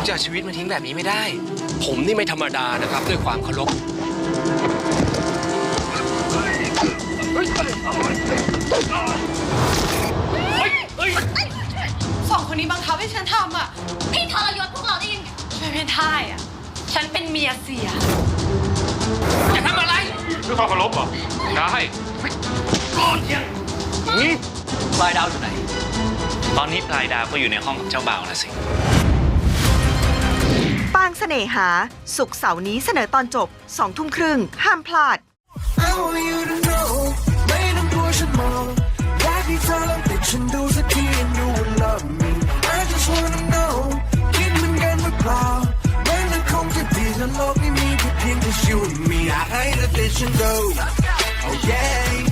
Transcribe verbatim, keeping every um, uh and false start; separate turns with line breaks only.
จะเอาชีวิตมาทิ้งแบบนี้ไม่ได้ ผมนี่ไม่ธรรมดานะครับด้วยความเคารพ
สองคนนี้บังคับให้ฉันทำอ่ะพี่ทรยศพวกเราได้ยังไงไม่เป็นท่ายอ่ะฉันเป็นเมียเสีย
จะทำอะไร
ด้วยความเคารพเหรอได้
ก่อนยังปลายดาวอยู่ไหน
ตอนนี้ปลายดาวก็อยู่ในห้องกับเจ้าบ่าวนะสิ
ปางเสน่หาศุกร์เสาร์นี้เสนอตอนจบสองทุ่มครึ่งห้ามพลาด
โลกนี้มีแค่เพียงแต่ you and me I hate that vision though oh yeah